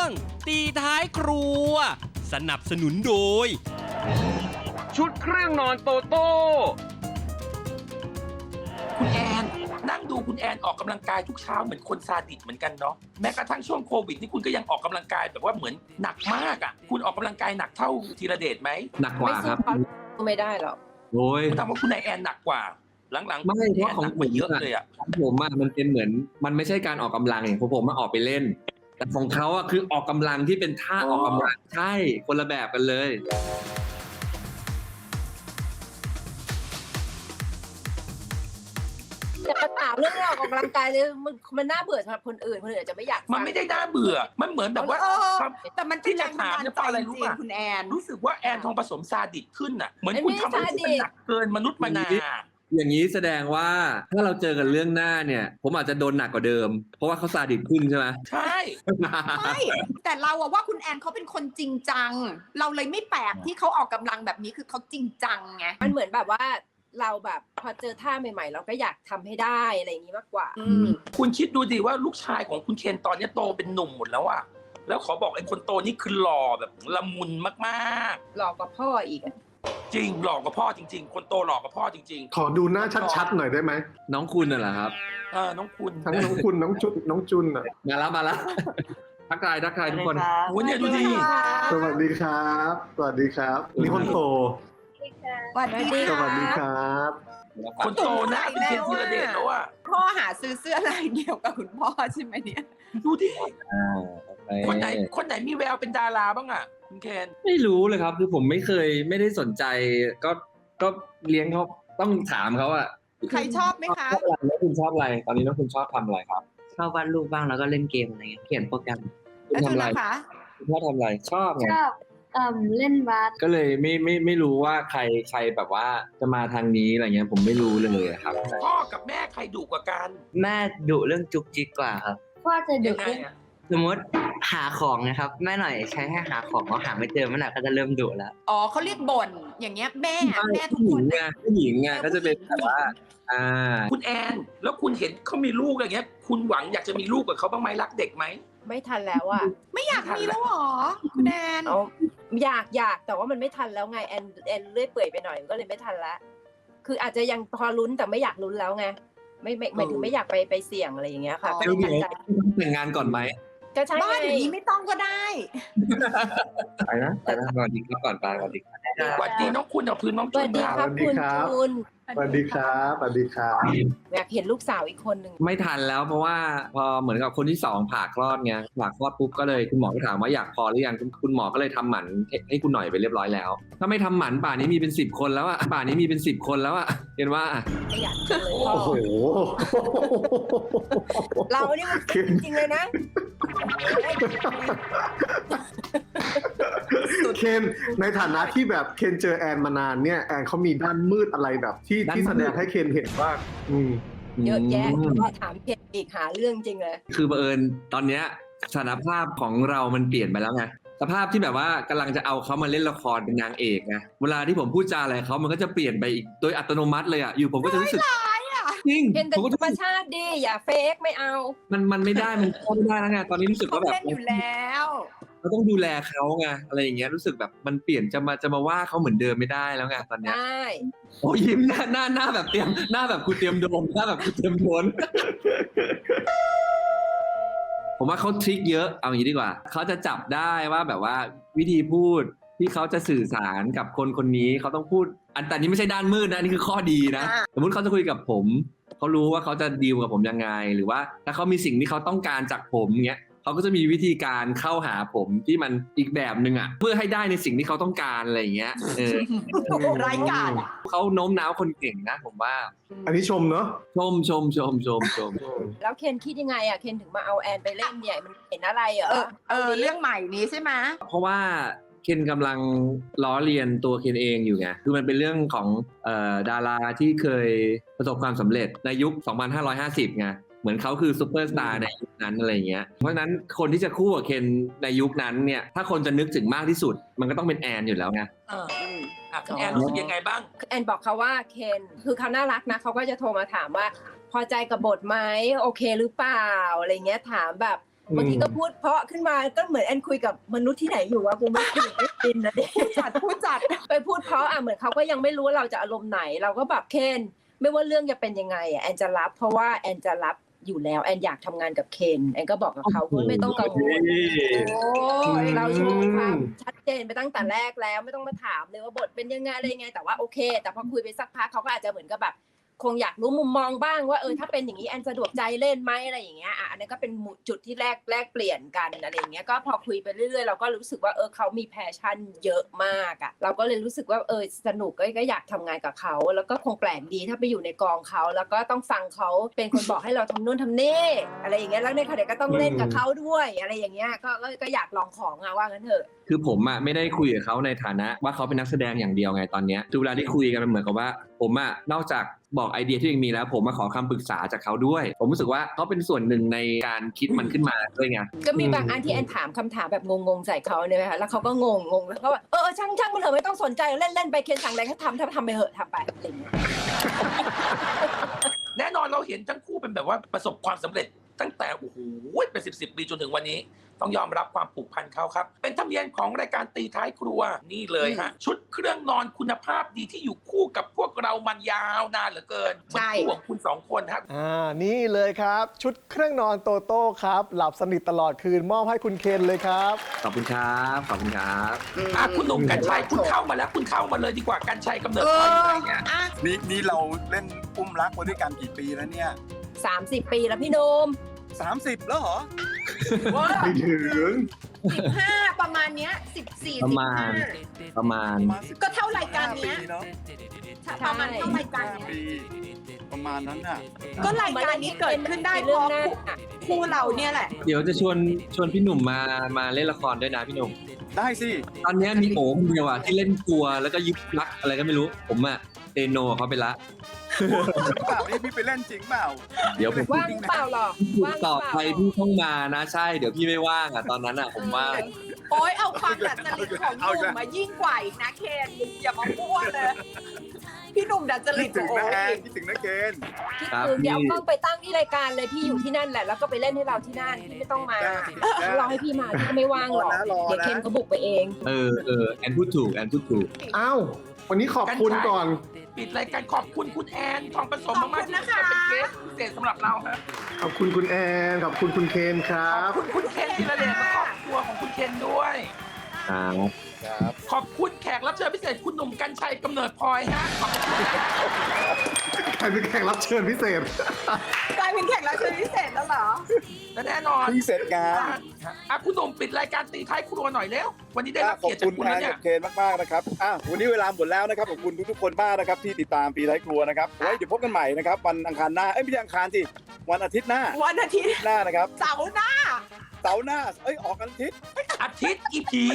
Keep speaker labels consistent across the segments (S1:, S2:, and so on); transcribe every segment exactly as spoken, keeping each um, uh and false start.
S1: งตีท้ายครัวสนับสนุนโดยชุดเครื่องนอนโตโต้
S2: คุณแอนนั่งดูคุณแอนออกกำลังกายทุกเช้าเหมือนคนซาดิสเหมือนกันเนาะแม้กระทั่งช่วงโควิดนี่คุณก็ยังออกกำลังกายแบบว่าเหมือนหนักมากอ่ะคุณออกกำลังกายหนักเท่าธีรเดชไหม
S3: หนักกว่าครับ
S4: ไม่ได้หรอก
S3: โอ้ย
S2: ผมถามว่าคุณนายแอนหนักกว่าหลังๆ
S3: ไม่เพราะของผม
S2: เยอะเลยอ่ะ
S3: ของผมอะมันเป็นเหมือนมันไม่ใช่การออกกำลังอย่างของผมมาออกไปเล่นแต่ของเขาอะคือออกกำลังที่เป็นท่าออกกำลังใช่คนละแบบกันเลย
S4: แต่ปัญหาเรื่องออกกำลังกายเลยมันมันน่าเบื่อสำหรับคนอื่นคนอื่นอาจจะไม่อยาก
S2: มันไม่ได้น่าเบื่อมันเหมือนแบบว่า
S5: แต่มันที่จะถามเนี่ยเพราะอะไรรู้ป่ะคุณแอน
S2: รู้สึกว่าแอนทองผสมซาดิสขึ้นอ่ะเหมือนคุณทำอะไรที่มันหนักเกินมนุษย์มนา
S3: อย่างนี้แสดงว่าถ้าเราเจอกันเรื่องหน้าเนี่ยผมอาจจะโดนหนักกว่าเดิมเพราะว่าเขาซาดิสขึ้นใช่ไหม
S2: ใช่
S5: ไม่แต่เราอะว่าคุณแอนเขาเป็นคนจริงจังเราเลยไม่แปลกที่เขาออกกำลังแบบนี้คือเขาจริงจังไง
S4: มันเหมือนแบบว่าเราแบบพอเจอท่าใหม่ๆเราก็อยากทำให้ได้อะไรอย่างนี้มากกว่า
S2: คุณคิดดูดิว่าลูกชายของคุณเคนตอนนี้โตเป็นหนุ่มหมดแล้วอะแล้วขอบอกไอ้คนโตนี่คือหล่อแบบละมุนมาก
S4: ๆหล่อกว่าพ่ออีก
S2: จริงหล่อกว่าพ่อจริงๆคนโตหล่อกว่าพ่อจริง
S6: ๆขอดูหน้าชัดๆหน่อยได้ไหม
S3: น้องคุณน่ะเหรอครับ
S2: เออน้องคุณ
S6: ทั้งน้องคุณน้องจุนน้องจุนอ่ะ
S3: มาแล้วมาแล้วทักทายทักทายทุกคน
S2: โอ้เนี่ยดูดิ
S6: สวัสดีครับสวัสดีครับนี่คนโต
S5: สวัสดี
S6: สวัสดีครับ
S2: คนโตนะเป็นเคนธีรเดชแล้วอ่ะ
S5: พ่อหาซื้อเสื้อลายเดียวกับคุณพ่อใช่ไหมเนี่ย
S2: ดูดิคนไหนคนไหนมีแววเป็นดาราบ้างอ่ะคุณเคน
S3: ไม่รู้เลยครับคือผมไม่เคยไม่ได้สนใจก็ก็เลี้ยงเขาต้องถามเขาอะ
S5: ใครชอบไหมคะ
S3: แล้วคุณชอบอะไรตอนนี้น้องคุณชอบทำอะไรครับ
S7: ชอบวาดรูปบ้างแล้วก็เล่นเกมอะไรเงี้ยเขียนโปรแกรม
S5: แล้วคุณนะคะ
S3: คุณชอบทำอะไรชอบไง
S7: ชอบเอ่อเล่นบาส
S3: ก็เลยไม่ไม่ไม่รู้ว่าใครใครแบบว่าจะมาทางนี้อะไรเงี้ยผมไม่รู้เลยครับ
S2: พ่อกับแม่ใครดุกว่ากัน
S7: แม่ดุเรื่องจุกจิกกว่าครับพ่อจะดุเรื่องสมมติหาของนะครับแม่หน่อยใช้ให้หาของเขาหาไม่เจอแม่หน่อยก็จะเริ่มดุแล้ว
S5: อ๋อเขาเรียกบ่นอย่างเงี้ยแม่แม่ทุกคน
S3: ไงผู้หญิงไงก็จะเป็นแบบว่าอ่า
S2: คุณแอนแล้วคุณเห็นเขามีลูกอย่างเงี้ยคุณหวังอยากจะมีลูกกับเขาบ้างไหมรักเด็กไหม
S4: ไม่ทันแล้วอ่ะ
S5: ไม่อยากมีแล้วหรอคุณแอน
S4: อยากอยากแต่ว่ามันไม่ทันแล้วไงแอนแอนเลื่อยเปื่อยไปหน่อยก็เลยไม่ทันละคืออาจจะยังพอลุ้นแต่ไม่อยากลุ้นแล้วไงไม่ไม่หมายถึงไม่อยากไปไปเสี่ยงอะไรอย่างเงี้ยค่ะ
S3: ไม่ตัดใจแต่งงานก่อนไหม
S4: ก็ใช่
S5: บ้านอย่างนี้ไม่ต้องก็ได้
S3: ไปนะไปนะสวัสดีครับก่อนไปสวัสดีครับ
S2: สวัสดีน้องคุณกับพื้นน้องจุน
S4: ครับสวัสดีครับคุณ
S6: สวัสดีครับสวัสดีครับ
S4: อยากเห็นลูกสาวอีกคนหนึ่ง
S3: ไม่ทันแล้วเพราะว่าพอเหมือนกับคนที่สองผ่าคลอดไงผ่าคลอดปุ๊บก็เลยคุณหมอก็ถามว่าอยากพอหรือยังคุณหมอก็เลยทำหมันให้คุณหน่อยไปเรียบร้อยแล้วถ้าไม่ทำหมันป่านนี้มีเป็นสิบคนแล้วอะป่านนี้มีเป็นสิบคนแล้วอะเห็นว่า
S4: ไม่อยากเลยพ่อ
S6: โอ้โห
S4: เรานี่มันจริงๆเลยนะ
S6: เคนในฐานะที่แบบเคนเจอแอนมานานเนี่ยแอนเขามีด้านมืดอะไรแบบที่ที่แสดงให้เคนเห็นว่า
S4: เยอะแยะก็ถามเคนอีกหาเรื่องจริงเลย
S3: คือบังเอิญตอนเนี้ยสถานภาพของเรามันเปลี่ยนไปแล้วไงสภาพที่แบบว่ากำลังจะเอาเขามาเล่นละครเป็นนางเอกไงเวลาที่ผมพูดจาอะไรเขามันก็จะเปลี่ยนไปอีกโดยอัตโนมัติเลยอ่ะอยู่ผมก็จะรู้สึกจริง
S4: เป็นธรรมชาติดีอย่าเฟกไม่เอา
S3: มันมันไม่ได้มันเข้าไม่ได้แล้วไงตอนนี้รู้สึกว่าแบบ
S5: เล่นอยู่แล้ว
S3: เราต้องดูแลเขาไงอะไรอย่างเงี้ยรู้สึกแบบมันเปลี่ยนจะมาจะมาว่าเขาเหมือนเดิมไม่ได้แล้วไงตอนเนี้ย
S4: ใช่
S3: โอ้ยิ้มหน้าหน้าหน้าแบบเตรียมหน้าแบบกูเตรียมโดนหน้าแบบกูเตรียมโดนผมว่าเขาทริคเยอะเอาอย่างนี้ดีกว่าเขาจะจับได้ว่าแบบว่าวิธีพูดที่เขาจะสื่อสารกับคนคนนี้เขาต้องพูดอันแต่นี้ไม่ใช่ด้านมืดนะนี่คือข้อดีนะสมมติเขาจะคุยกับผมเขารู้ว่าเขาจะดีลกับผมยังไงหรือว่าถ้าเขามีสิ่งที่เขาต้องการจากผมเงี้ยเขาก็จะมีวิธีการเข้าหาผมที่มันอีกแบบนึงอ่ะเพื่อให้ได้ในสิ่งที่เขาต้องการอะไรอย่างเงี้ยเออ
S5: รายการ
S3: เขาโน้มน้าวคนเก่งนะผมว่า
S6: อันนี้ชมเนาะ
S3: ชมชมชมชมชม
S4: แล้วเคนคิดยังไงอ่ะเคนถึงมาเอาแอนไปเล่นเนี่ยมันเห็นอะไรเหรอ
S5: เออเรื่องใหม่นี้ใช่ไหม
S3: เพราะว่าเคนกำลังล้อเลียนตัวเคนเองอยู่ไงคือมันเป็นเรื่องของเอ่อดาราที่เคยประสบความสำเร็จในยุคสองพันห้าร้อยห้าสิบไงเหมือนเขาคือซูเปอร์สตาร์ในยุคนั้นอะไรเงี้ยเพราะฉะนั้นคนที่จะคู่กับเคนในยุคนั้นเนี่ยถ้าคนจะนึกถึงมากที่สุดมันก็ต้องเป็นแอนอยู่แล้วไง
S2: เอออ่ะแอนรู้สึกยังไงบ้าง
S4: แอนบอกเขาว่าเคนคือเขาน่ารักนะเขาก็จะโทรมาถามว่าพอใจกับบทไหมโอเคหรือเปล่าอะไรเงี้ยถามแบบบางทีก็พูดเพราะขึ้นมาก็เหมือนแอนคุยกับมนุษย์ที่ไหนอยู่วะกูไม่คุยไม่กินนะเด็ก
S5: จัดผู้จัด
S4: ไปพูดเพราะอ่ะเหมือนเขาก็ยังไม่รู้ว่าเราจะอารมณ์ไหน เราก็แบบเคนไม่ว่าเรื่องจะเป็นยังไงอ่ะแอนจะรับ เพราะว่าแอนจะรับอยู่แล้วแอนอยากทำงานกับเคนแอนก็บอกกับเขาคุณไม่ต้องกังวล
S5: โอ้ย
S4: เราโชว์ความชัดเจนไปตั้งแต่แรกแล้วไม่ต้องมาถามเลยว่าบทเป็นยังไงอะไรยังไงแต่ว่าโอเค แต่พอคุยไปสักพักเขาก็อาจจะเหมือนกับแบบคงอยากรู้มุมมองบ้างว่าเออถ้าเป็นอย่างนี้แอนสะดวกใจเล่นไหมอะไรอย่างเงี้ยอ่ะอันนั้นก็เป็นจุดที่แรกแลกเปลี่ยนกันอะไรอย่างเงี้ยก็พอคุยไปเรื่อยๆเราก็รู้สึกว่าเออเขามีแพชชั่นเยอะมากอ่ะเราก็เลยรู้สึกว่าเออสนุกก็ก็อยากทำงานกับเขาแล้วก็คงแปลกดีถ้าไปอยู่ในกองเขาแล้วก็ต้องฟังเขาเป็นคนบอกให้เราทำนู่นทำนี่อะไรอย่างเงี้ยแล้วในขณะเดียวกันก็ต้องเล่นกับเขาด้วยอะไรอย่างเงี้ยก็ก็ก็อยากลองของอะว่างั้นเถอะ
S3: คือผมอ่ะไม่ได้คุยกับเขาในฐานะว่าเขาเป็นนักแสดงอย่างเดียวไงตอนเนี้ยทุกเวลาที่คุยกันมันเหมือนกับว่าผมอ่ะนอกจากบอกไอเดียที่ยังมีแล้วผมมาขอคำปรึกษาจากเขาด้วย ผมรู้สึกว่าเขาเป็นส่วนหนึ่งในการคิดมันขึ้นมาด้วยไง
S4: ก็มีบางอันที่แอนถามคำถามแบบงงๆใส่เขาเนี่ยค่ะแล้วเขาก็งงงงแล้วก็แบบเออช่างช่างมันเถอะไม่ต้องสนใจเล่นเล่นไปเคนสั่งอะไรก็ทำถ้าทำไปเถอะทำไปอะไรอย่างเงี้ย
S2: แน่นอนเราเห็นทั้งคู่เป็นแบบว่าประสบความสำเร็จตั้งแต่โอ้โหเป็นสิบสิบปีจนถึงวันนี้ต้องยอมรับความผูกพันเขาครับเป็นธรรมเนียมของรายการตีท้ายครัวนี่เลยฮะชุดเครื่องนอนคุณภาพดีที่อยู่คู่กับพวกเรามันยาวนานเหลือเกินเหมือนคู่ของคุณสองคนครับ
S8: อ่านี่เลยครับ ชุดเครื่องนอนโตโต้ครับ หลับสนิทตลอดคืนมอบให้คุณเคนเลยครับ
S3: ขอบคุณครับขอบคุณครับ
S2: อ่ะคุณหนุ่มกัญชัยคุณเข้ามาแล้วคุณเข้ามาเลยดีกว่ากัญชัยกำเนิดพลอยอะไรเนี่ย
S5: อ่ะ
S9: นี่นี่เราเล่นอุ้มรักมาด้วยกันกี่ปีแล้วเนี่ย
S4: สามสิบปีแล้วพี่โนม
S9: สามสิบแล้วเหรอ
S6: ไม่ถึง
S5: สิบห้าประมาณเนี้ยสิบสี่
S3: ประ
S5: สิบ
S3: มา
S5: ห้า
S3: ณ ประมาณ
S9: ประมาณสิบ
S5: ก็เท่ารายการเนี้ย
S9: ปีเนาะ
S5: ประมาณเท่ารายการเนี้ย
S9: ปีประมาณนั้นน่ะ
S5: ก็รายการนี้เกิดขึ้นได้เพ
S4: เรื่อง
S5: ราะ
S4: หน้า
S5: คู่เราเนี่ยแหละ
S3: เดี๋ยวจะชวนชวนพี่หนุ่มมามาเล่นละครด้วยนะพี่หนุ่ม
S9: ได้สิ
S3: ตอนเนี้ยมีโอ๋คนเดียวอ่ะที่เล่นกลัวแล้วก็ยึดรักอะไรก็ไม่รู้ ผมอ่ะเตโนเขาไปละ
S9: เปล่านี่พี่ไปเล่นจริงเปล่า
S3: เดี๋ยวผม
S4: ว่างเปล่าหรอ
S3: พูด
S4: ว่าง
S3: ต่อ
S4: เปล่า
S3: ไปพี่ต้องมานะใช่เดี๋ยวพี่ไม่ว่างอ่ะตอนนั้นอ่ะผมว่าง
S5: โอ๊ยเอาความดัดจริตของหนุ่มมายิ่งกว่าอีกนะเคนอย่ามาพูดเลย พี่หนุ่มดัดจริ
S9: คิ
S5: ต
S9: ดถึง
S5: โอ้
S9: นะแอน
S5: ย
S9: คิดถึงนะเกณฑ์
S4: คิด
S3: ครับ
S4: ถึงเดี๋ยว
S3: พี่
S4: เอากล้องไปตั้งที่รายการเลยพี่อยู่ที่นั่นแหละแล้วก็ไปเล่นให้เราที่นั่นพี่ไม่ต้องมา
S9: ได้ได้
S4: รอให้พี่มาพี่ก็ไม่ว่างหรอก
S9: รอนะรอนะ
S4: เดี๋ยวเคนเขาบุกไปเอง
S3: เออเออแอนพูดถูกแอนพูดถูก
S6: อ้าววันนี้ขอบคุณก่อน
S2: ปิดรายการขอบคุณคุณแอนทองผสมมากๆที่มาเป็นเกสพิเศษสำหรับเราฮะ
S6: ขอบคุณคุณแอน ขอบคุณคุณเคนครั
S2: ขอบบ คุณคุณเคนธีรเดชและครอบครัวของคุณเคนด้วย
S3: ครับ
S9: ครับ
S2: ขอบคุณแขกรับเชิญพิเศษคุณหนุ่มกัญชัยกำเนิดพลอยฮะขอบคุณ
S6: ใครเป็นแขกรับเชิญพิเศษ
S5: กลายเป็นแขกรับเชิญพิเศษแล้วเหรอ
S2: และแน่นอน
S9: เพิ่งเสร็จงาน
S2: อ่ะคุณหนุ่มปิดรายการตีท้ายครัวหน่อยเร็ววันนี้ได้รับ
S9: ขอบ
S2: เกียรติจา
S9: คุ
S2: ก
S9: ณ
S2: คุณ
S9: แอ
S2: แล้ว
S9: น
S2: เนี่ย
S9: กับเคนมากๆนะครับอ่ะวันนี้เวลาหมดแล้วนะครับขอบคุณทุกๆคนมากนะครับที่ติดตามปีท้ายครัวนะครับไว้เดี๋ยวพบกันใหม่นะครับวันอังคารหน้าเอ้ยไม่ใช่อังคารสิวันอาทิตย์หน้า
S5: วันอาทิตย์
S9: หน้านะครับ
S5: เสาร์หน้า
S9: เสาร์หน้าเอ้ยออกกันอาทิตย์
S2: อาทิตย์อีผี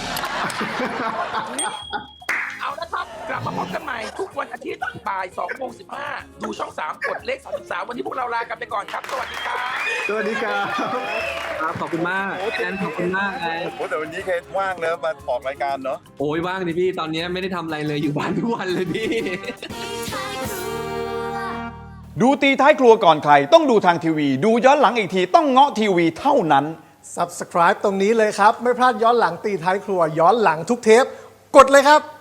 S2: เอาละครับกลับมาพบกันใหม่ทุกวันอาทิตย์บ่ายสองโมงสิบห้าดูช่องสามกดเลขสามสิบสามวันนี้พวกเราลากันไปก่อนครับสวัสดีครับ
S6: สวัสดีครับ
S3: ครับขอบคุณมากแอนขอบคุณมากเลย
S9: โอ้แต่วันนี้เคนว่างเนอะมาออกรายการเนาะ
S3: โอ้ยว่างดิพี่ตอนเนี้ยไม่ได้ทำอะไรเลยอยู่บ้านทุกวันเลยพี่
S10: ดูตีท้ายครัวก่อนใครต้องดูทางทีวี ดูย้อนหลังอีกทีต้องเงาะทีวีเท่านั้น
S8: Subscribe ตรงนี้เลยครับ ไม่พลาดย้อนหลังตีท้ายครัว ย้อนหลังทุกเทป กดเลยครับ